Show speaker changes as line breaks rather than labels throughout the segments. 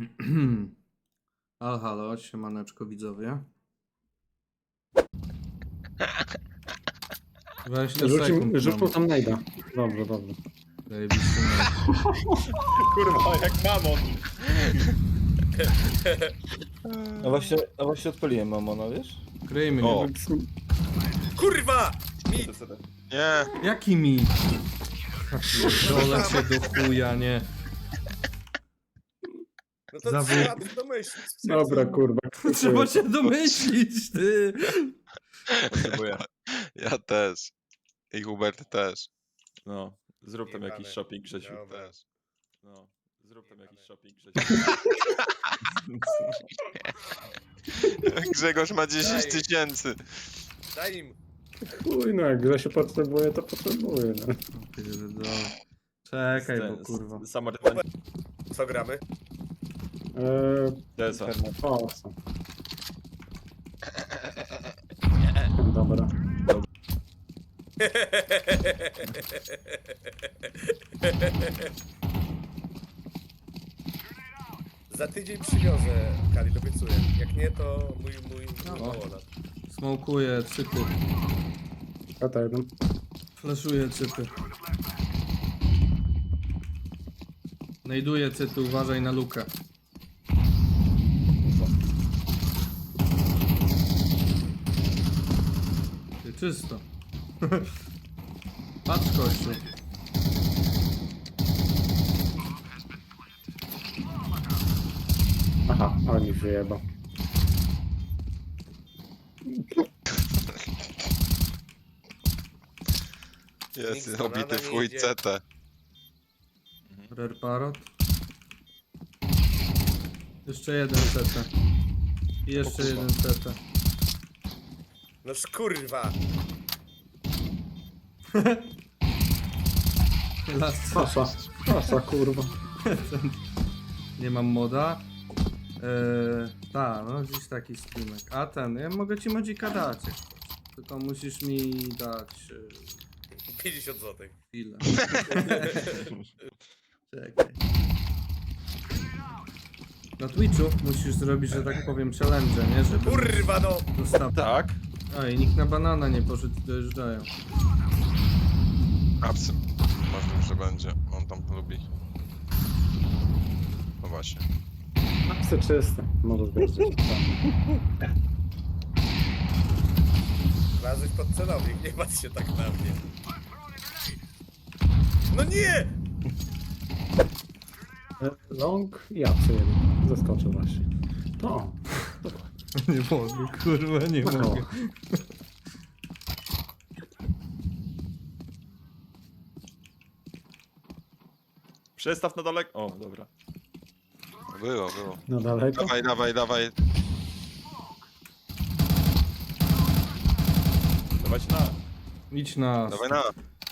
Halo, siemaneczko widzowie. 20 sekund
Rzucił tam najda. Dobrze, dobrze.
Zajebisty mecz.
Kurwa, jak mamon.
A właśnie odpaliłem mamona, wiesz?
Kryjmy.
O.
Kurwa! Mit!
Nie,
Jaki mi? Dole cię do chuja, nie.
No to
Zawód.
trzeba domyślić.
Dobra, kurwa.
Trzeba się domyślić, ty.
potrzebuję.
Ja też. I Hubert też.
No, zrób tam
Jebane.
jakiś shopping, Grzesiu.
Dobra.
Też.
No, zrób tam jakiś shopping, Grzesiu.
Grzegorz ma 10
Daj.
000.
Daj im.
Chuj, no jak Grzesiu potrzebuje, to potrzebuje, no.
Pierdolę. Czekaj, bo kurwa.
Samarytan.
Co gramy?
Desa.
O, co? Dobra.
Za tydzień przywiozę, Kali, obiecuję. Jak nie, to mój
No.
małolat.
Smokuję cypy.
Kata jeden.
Flaszuję cypy. Znajduję cypy, uważaj na lukę. Ty, czysto. Patrz kościół.
Aha, oni wyjebał.
Jest
Nic
obity
banana
w
nie
chuj
idzie.
CT.
Rare parrot. Jeszcze jeden CT. I jeszcze jeden CT.
No kurwa!
Last
Pasa, pasa, kurwa.
Nie mam moda. No dziś taki streamek. A ten, ja mogę ci modzika dać. Jak chcesz. Tylko musisz mi dać
50 zł.
chwilę. Czekaj. Na Twitchu musisz zrobić, że tak powiem, challenge, nie? Żeby
Kurwa no!
dostał.
Tak?
Oj, nikt na banana nie poszedł i dojeżdżają.
Absy. Możliwe, że będzie. On tam lubi. No właśnie.
Psy czyste. Możesz wierzyć.
Wlazłeś pod celownik, nie patrz się tak na mnie. No nie!
Long i apsy jeden. Zaskoczył właśnie. To.
Nie mogę, kurwa, nie
No.
mogę.
Przestaw na daleko. O, dobra.
Było.
No daleko.
Dawaj.
Dawać na.
Idź na...
Dawaj na.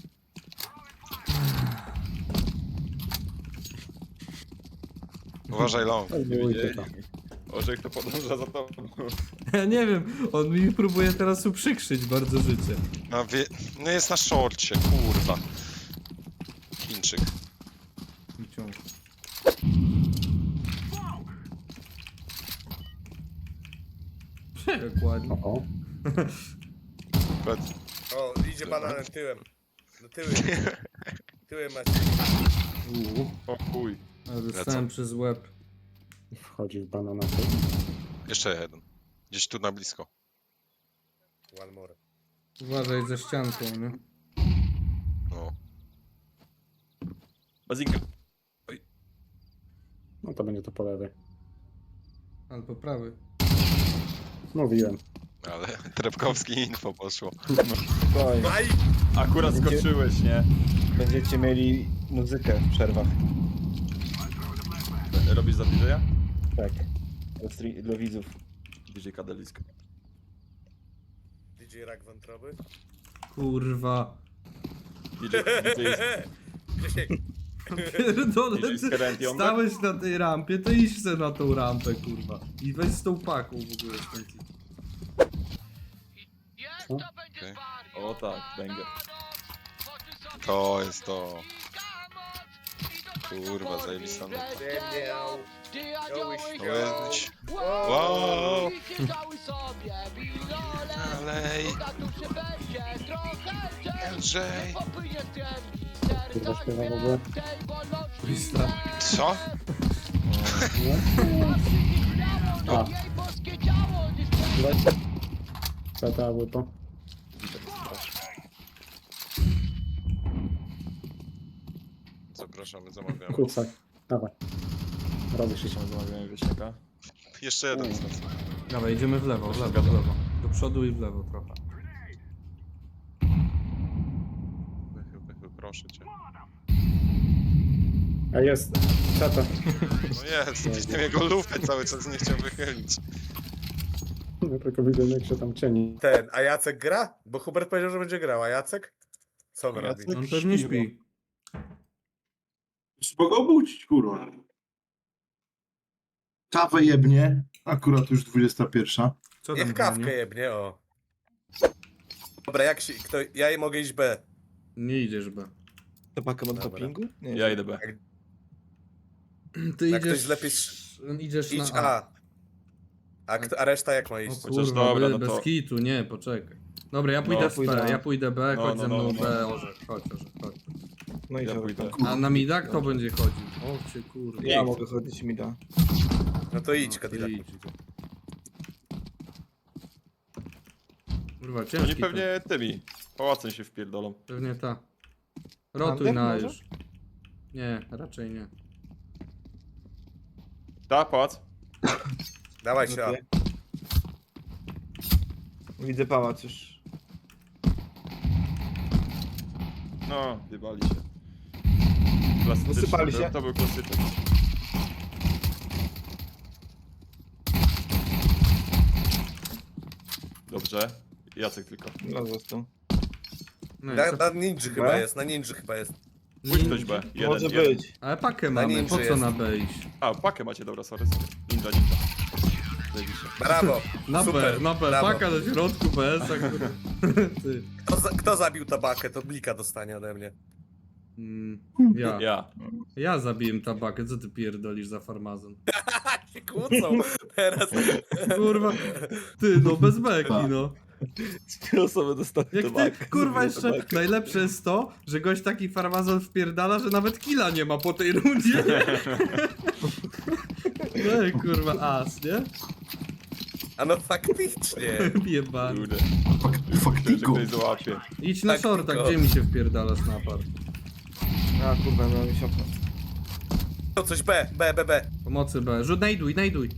Uważaj long.
Ojej, to.
Orzech to podąża za tobą.
Ja nie wiem, on mi próbuje teraz uprzykrzyć bardzo życie.
No jest na szorcie, kurwa. Chińczyk.
Wyciąg. Jak ładnie.
O,
O, idzie bananem tyłem. No tyłem. Tyłem macie.
O chuj.
Ale dostałem przez łeb.
wchodzi w banana.
Jeszcze jeden. Gdzieś tu na blisko.
One more.
Uważaj za ścianką, nie?
No.
Bazinka.
No to będzie to po lewej.
Albo prawy.
Mówiłem.
Ale Trepkowski info poszło.
Spokojnie.
Aj!
Akurat skoczyłeś, nie?
Będziecie mieli muzykę w przerwach.
Robisz za DJ-a?
Tak. Dla widzów.
DJ Kadeliska.
DJ rak wątroby.
Kurwa.
DJ
Grzesiek,
Pierdolę,
DJ
ty
Skerent Younger?
stałeś na tej rampie, to idź se na tą rampę, kurwa. I weź z tą paką w ogóle stąd.
O tak, banger.
To jest to. Kurwa, zajebista. No.
Łyś.
Wow! Dalej! Lżej!
Kurwa śpiewa w ogóle.
Lista.
Co?
A. Zeta, łypo.
Zapraszamy, zamawiamy.
Kucak. Dawaj. Robisz się.
Zamawiamy wieśniaka.
Jeszcze jeden z nas.
Dawaj, idziemy w lewo, w lewo, w lewo. Do przodu i w lewo trochę.
Proszę cię.
A jest. Zeta.
No jest, widziałem jego lufę cały czas nie chciał wychylić.
Ja tylko widzę, jak się tam cieni.
A Jacek gra? Bo Hubert powiedział, że będzie grał, a Jacek? Co on robi?
On pewnie śpi.
Trzeba go obudzić, kurwa. Kawę jebnie, akurat już 21.
Co tam
Niech kawkę
broni?
jebnie, o. Dobra, jak się... Ja mogę iść B.
Nie idziesz, B.
To pakę mam
Dobra.
dopingu? Nie.
Ja idę B.
Ty
Jak
idziesz...
ktoś lepiej
Idziesz
Idź
na A.
A. A reszta jak ma
O
iść?
Chociaż
kurwa,
dobra, no
bez
to-
kitu, nie, poczekaj. Dobra, ja pójdę
No,
w
pójdę
B,
A.
ja pójdę B,
No,
chodź
no,
ze mną
no,
B,
no.
Orzech, chodź, chodź.
No i
Ja
ja
pójdę.
A na mida kto będzie chodził? O cię kurwa.
Ja mogę chodzić mi da.
No to idź,
No,
Kadila.
ty idź. Kurwa,
Oni
ciężki to.
pewnie tymi pałacem się wpierdolą.
Pewnie ta. Rotuj
Under
na
może?
już. Nie, raczej nie.
Ta, pałac.
Dawaj się, A.
Widzę pałac już.
No, wybali się. Klasyczny,
Wysypali się?
To był klasyczny. Dobrze. Jacek tylko.
No został.
No i
Na,
co?
na ninja chyba jest, na ninja chyba jest.
Pójdź ktoś B. Jeden,
Może
jeden.
być.
Ale pakę
Na
mamy,
ninja
po co
jest.
na B iść?
A, pakę macie, dobra, sorry. Ninja. Zajebiście.
Brawo.
Na
Super,
B, na B,
brawo.
paka na środku BS, Ty.
Kto zabił tabakę, to blika dostanie ode mnie.
Ja.
Ja.
Ja zabiłem tabakę, co ty pierdolisz za farmazon?
Się kłócą teraz.
Kurwa, ty no bez beki no.
Trzy osoby dostały
Jak ty, kurwa jeszcze najlepsze jest to, że gość taki farmazon wpierdala, że nawet killa nie ma po tej rundzie. Ej kurwa as, nie?
A no faktycznie.
Jebany.
Kurde. Myślałem, że
Faktiko.
ktoś załapie.
Idź na
Tak,
shorta,
tylko.
gdzie mi się wpierdalasz na apart?
A kurwa, no mi się opnął.
To coś B.
Pomocy B. Rzut, najduj.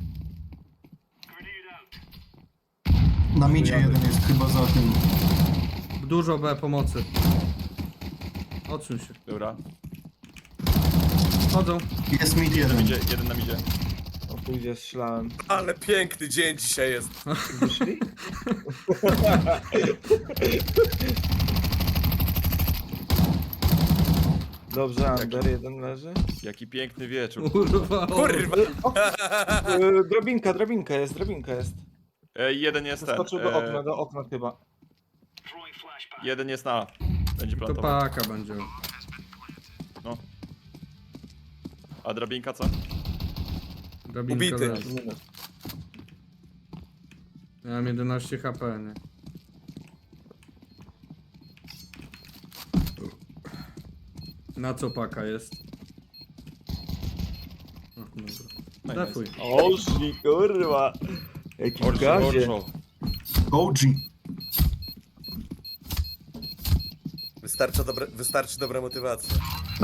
Na midzie jeden jest chyba za tym.
Dużo B pomocy. Odsuń się.
Dobra.
Chodzą.
Jest mid jeden.
Idzie, jeden nam idzie.
O pójdzie, strzelałem.
Ale piękny dzień dzisiaj jest.
Wyszli? Dobrze, Ander, jeden leży.
Jaki piękny wieczór.
Kurwa.
Kurwa.
Drabinka jest.
Jeden jest ten.
Skoczył do okna chyba.
Jeden jest na A. Będzie
To
plantował.
paka będzie.
No. A drabinka co?
Drabinka
Ubity.
leży. Ja mam 11 HP, nie? Na co paka jest? O, dobra. Defuj.
Ożni, kurwa. Jaki w
Orzo,
gazie.
orzo.
OG.
Wystarczy dobra motywacja.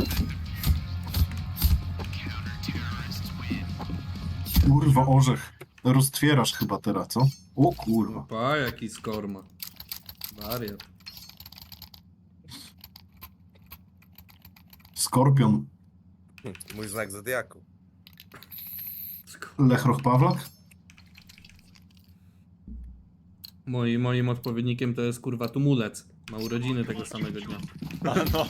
Kurwa, orzech. Roztwierasz chyba teraz, co? O kurwa.
Opa, jaki skor ma. Wariat.
Skorpion.
Mój znak zodiaku.
Lechroch Pawlak?
Moim odpowiednikiem to jest kurwa tumulec. Ma urodziny tego samego dnia.
A no.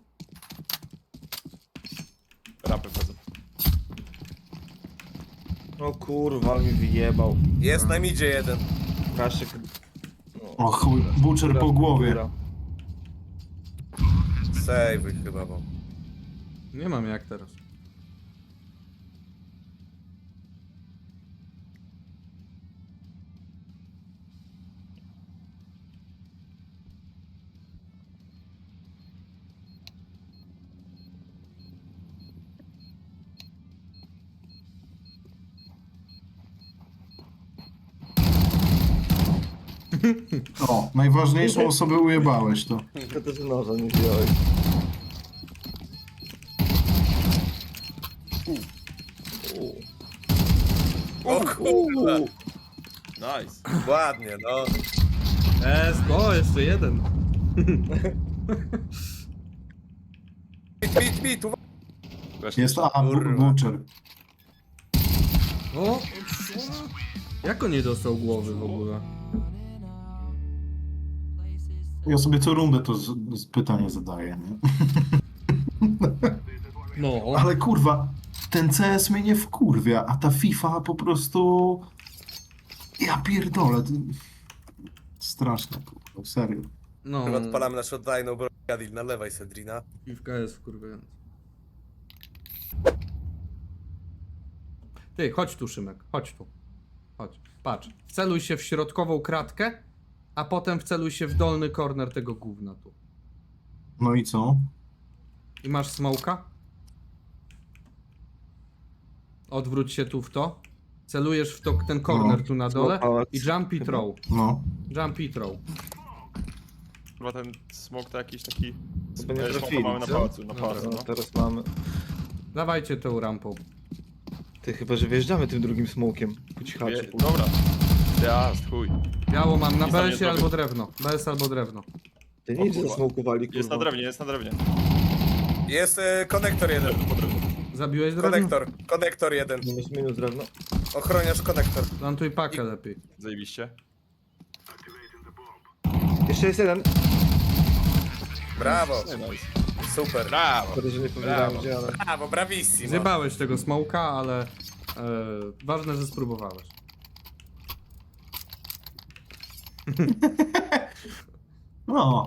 Rapy wchodzą.
O kurwa, ale mi wyjebał.
Jest na midzie jeden.
Kaszek.
O chuj, Butcher po głowie.
Save chyba, bo...
Nie mam jak teraz.
O, najważniejszą osobę ujebałeś to.
Tylko też noża nie wziąłeś.
O kurwa!
Nice.
Ładnie, no.
O, jeszcze jeden.
Mit, uwaga!
Jest
Kurwa.
Butcher.
O, jak on nie dostał głowy w ogóle?
Ja sobie co rundę to pytanie zadaję, nie?
No.
Ale kurwa, ten CS mnie nie wkurwia, a ta FIFA po prostu... Ja pierdolę. Straszne, kurwa, serio.
No.
Chyba odpalamy naszą oddajną broń. Gadil, nalewaj Sedrina.
Piwka jest wkurwiająca. Ty, chodź tu, Szymek, chodź tu. Chodź, patrz. Wceluj się w środkową kratkę, a potem wceluj się w dolny korner tego gówna tu.
No i co?
I masz smoka. Odwróć się tu w to. Celujesz w to, ten korner tu na dole
pałac.
i jump i throw.
No.
Jump i throw.
Chyba ten smok to jakiś taki...
Chyba nie trafili,
mamy na
co?
pałacu, na
No,
pałacu,
No,
no.
teraz mamy.
Dawajcie tą rampą.
Ty chyba, że wjeżdżamy tym drugim smokiem. Po cichaczy.
Dobra. Jazd, chuj.
Biało mam na
Nic tam nie
BS-ie albo
zrobię.
drewno. BS albo drewno.
Ty
O
nic
kurwa.
zasmokowali, kurwa.
Jest na drewnie, jest na drewnie.
Jest konektor jeden.
Zabiłeś drewno?
Konektor jeden.
Minus drewno.
Ochroniarz konektor.
Plantuj pakę lepiej.
Zajebiście.
Jeszcze jest jeden.
Brawo.
Nice.
Super.
Brawo.
Sorry, że nie powiedziałem
Brawo.
gdzie, ale...
Brawo, bravissimo.
Zjebałeś tego smoka, ale ważne, że spróbowałeś.
No.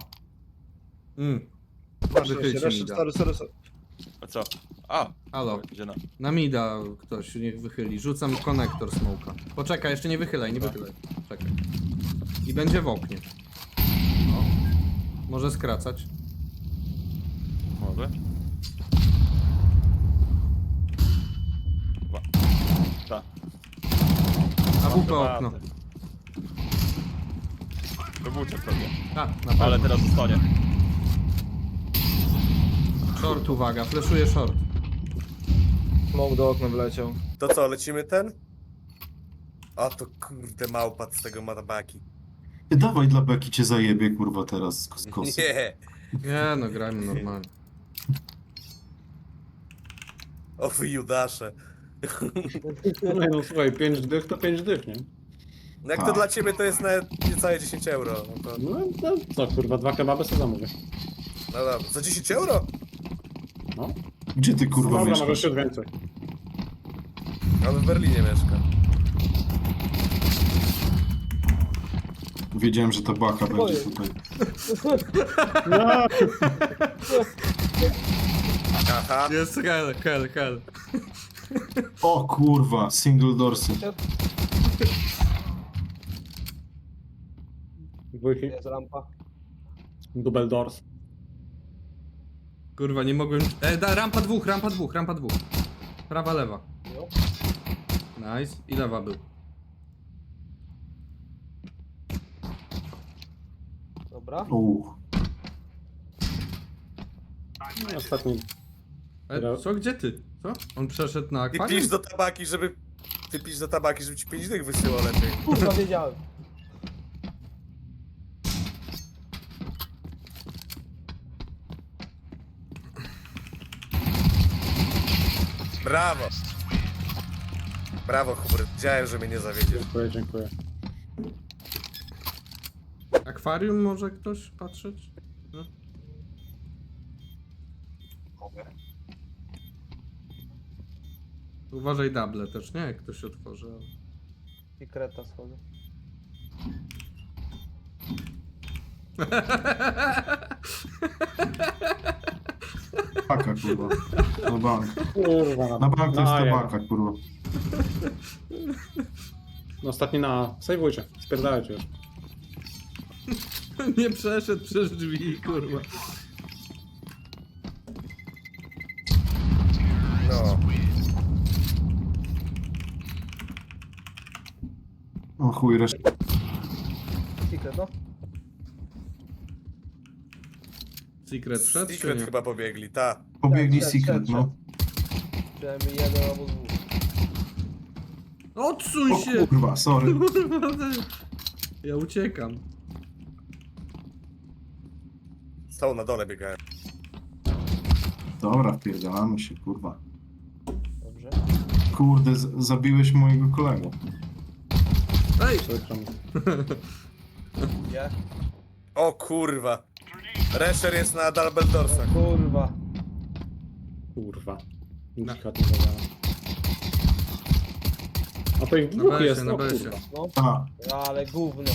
Masz
Wychylcie
jeszcze,
mi da.
sorry.
A co? A!
Halo,
Idzie na...
na mida ktoś niech wychyli. Rzucam konektor smoka. Poczekaj, jeszcze nie wychylaj, nie wychylaj. Czekaj. I będzie w oknie. No. Może skracać.
Może? Chyba. Tak.
A WP okno.
To był czek pewnie.
A, na
Ale
pewno.
teraz zostanie.
Short, uwaga, fleszuje short.
Smok do okna wleciał.
To co, lecimy ten? O to kurde małpat z tego matabaki.
Dawaj dla Beki cię zajebie, kurwa, teraz z kosy.
Nie.
Nie no, grajmy normalnie.
O wy Judasze.
No, no słuchaj, 5 dych to 5 dych, nie?
No jak to dla ciebie to jest nawet niecałe 10 euro. No, to,
No co, kurwa, 2 kebaby sobie zamówię.
no dobra, za 10 euro?
No,
Gdzie ty, kurwa,
dobra,
mieszkasz?
może się więcej.
On w Berlinie mieszka.
Wiedziałem, że ta baka będzie tutaj.
No,
Aha.
Jest hell.
O kurwa, single dorsy.
dwójki.
Jest rampa.
Double doors.
Kurwa, nie mogłem... rampa dwóch. Prawa, lewa.
Jo.
Nice. I lewa był.
Dobra.
No, ostatni.
Co? Gdzie ty? Co? On przeszedł na
Ty
akwarium?
pisz do tabaki, żeby... Ty pisz do tabaki, żeby ci 5 dych wysyłał lepiej.
Kurwa, wiedziałem.
Brawo. Brawo, Hubert. Wiedziałem, że mnie nie zawiedziesz.
Dziękuję.
Akwarium może ktoś patrzeć? No. Uważaj double też, nie? Jak ktoś się otworzy.
Sekreta schodzę.
Baka, kurwa. Na bank.
Kurwa.
Na bank to jest ta
jak.
baka, kurwa.
No ostatni na... Sejwujcie, spierdalajcie już.
Nie przeszedł przez drzwi, kurwa.
No.
O chuj, reszta.
Secret, no.
Secret wszedł, czy
Secret
nie?
chyba pobiegli, ta.
Pobiegli
Szedł,
secret,
szedł,
no.
Przynajmniej jeden albo dwóch.
Odsuń
O
się!
kurwa, sorry.
Kurwa, ja uciekam.
Są na dole biegają.
Dobra, wpierdalamy się, kurwa.
Dobrze.
Kurde, zabiłeś mojego kolegę.
Ej!
Przykro mi.
Gdzie?
O kurwa. Resher jest na Dumbledorsach.
Kurwa.
Kurwa.
Na-
Nic nie zadałem. A to ich
Na
dwóch
besie,
jest,
na
no
besie.
kurwa.
No,
A,
ale gówno.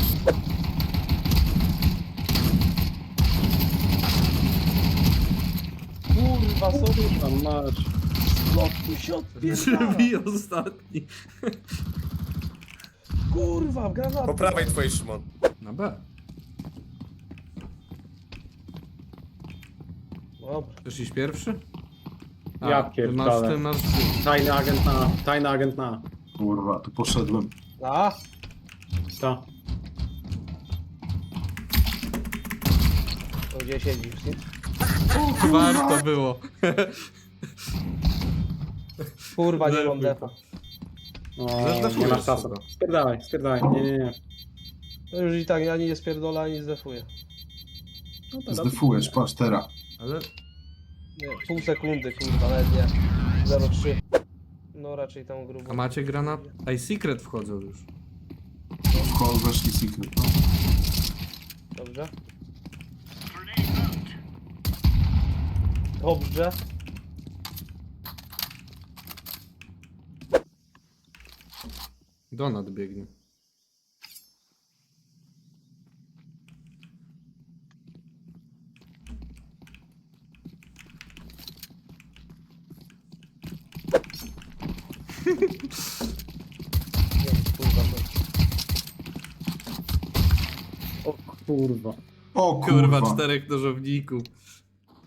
Kurwa, sobie
Tam mać.
tu się odpierdala.
Drzwi ostatni.
Kurwa, granat.
Po prawej twojej, Szymon.
Na B.
Dobra.
Chcesz iść pierwszy?
Ja
ty
pierdolę.
masz...
Tajny agent na.
kurwa, tu poszedłem.
A?
Ta.
To gdzie siedzisz, ty?
Warto było.
Kurwa, nie mam
Lewy.
defa.
O,
Zdefujesz
nie masz czasu.
chyba.
Spierdalaj. Nie.
To już i tak ani nie spierdolę, ani zdefuję.
No to
Zdefujesz, patrz teraz.
Ale...
Nie, pół sekundy, kurwa, nawet nie. 0,3. No raczej tam grubo.
A macie granat? Ej, Secret wchodzą już.
W call weszli secret, no.
Dobrze. Dobrze.
Donat biegnie.
Nie wiem, kurwa, to...
O kurwa.
O
Kurwa,
kurwa.
4 nożowników.